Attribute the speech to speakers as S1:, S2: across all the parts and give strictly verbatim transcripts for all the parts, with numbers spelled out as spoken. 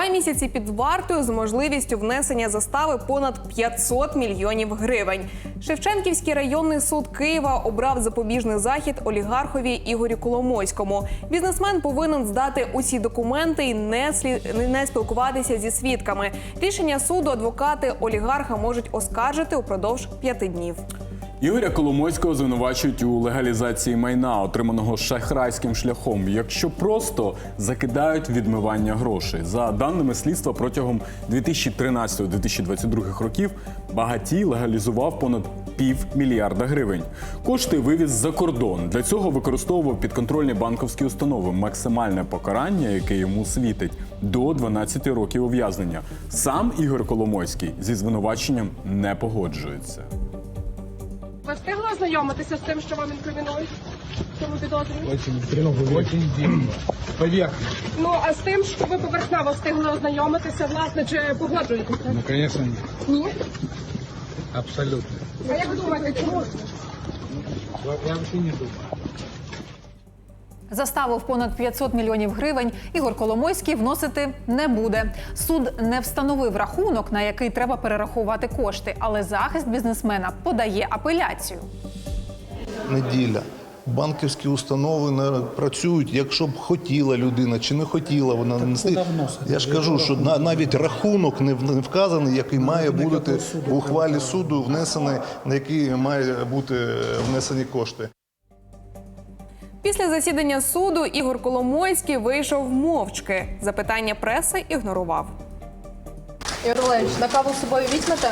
S1: Два місяці під вартою з можливістю внесення застави понад п'ятсот мільйонів гривень. Шевченківський районний суд Києва обрав запобіжний захід олігархові Ігорю Коломойському. Бізнесмен повинен здати усі документи і не, слід... не спілкуватися зі свідками. Рішення суду адвокати олігарха можуть оскаржити упродовж п'яти днів.
S2: Ігоря Коломойського звинувачують у легалізації майна, отриманого шахрайським шляхом, якщо просто закидають відмивання грошей. За даними слідства, протягом дві тисячі тринадцятого - дві тисячі двадцять другого років багатій легалізував понад пів мільярда гривень. Кошти вивіз за кордон. Для цього використовував підконтрольні банківські установи. Максимальне покарання, яке йому світить – до дванадцяти років ув'язнення. Сам Ігор Коломойський зі звинуваченням не погоджується.
S3: Ви встигли ознайомитися з тим, що вам інкримінують? Цьому підозрюють?
S4: Очень хреново, очень дивно. Поверхностно.
S3: Ну, а з тим, що ви поверхнево встигли ознайомитися, власне, чи погоджуєтеся?
S4: Ну, конечно, нет.
S3: Ні?
S4: Абсолютно.
S3: А як ви думаєте, чому?
S4: Я вообще не думаю.
S5: Заставу в понад п'ятсот мільйонів гривень Ігор Коломойський вносити не буде. Суд не встановив рахунок, на який треба перерахувати кошти, але захист бізнесмена подає апеляцію.
S6: Неділя. Банківські установи не працюють, якщо б хотіла людина чи не хотіла вона нести. Я ж кажу, що на- навіть рахунок не в- не вказаний, який має бути в ухвалі суду внесений, на який має бути внесені кошти.
S1: Після засідання суду Ігор Коломойський вийшов мовчки. Запитання преси ігнорував.
S7: Ігор Валерійович, на каву з собою візьмете?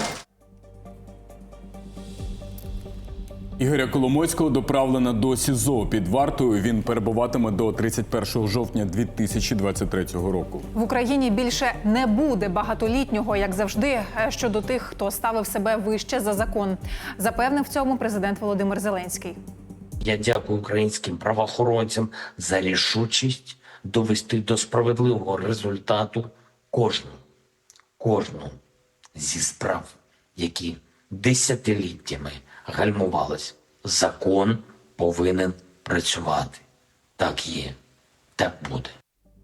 S2: Ігоря Коломойського доправлено до СІЗО. Під вартою він перебуватиме до тридцять першого жовтня дві тисячі двадцять третього року.
S5: В Україні більше не буде багатолітнього, як завжди, щодо тих, хто ставив себе вище за закон. Запевнив в цьому президент Володимир Зеленський.
S8: Я дякую українським правоохоронцям за рішучість довести до справедливого результату кожну, кожну зі справ, які десятиліттями гальмувались. Закон повинен працювати. Так є, так буде.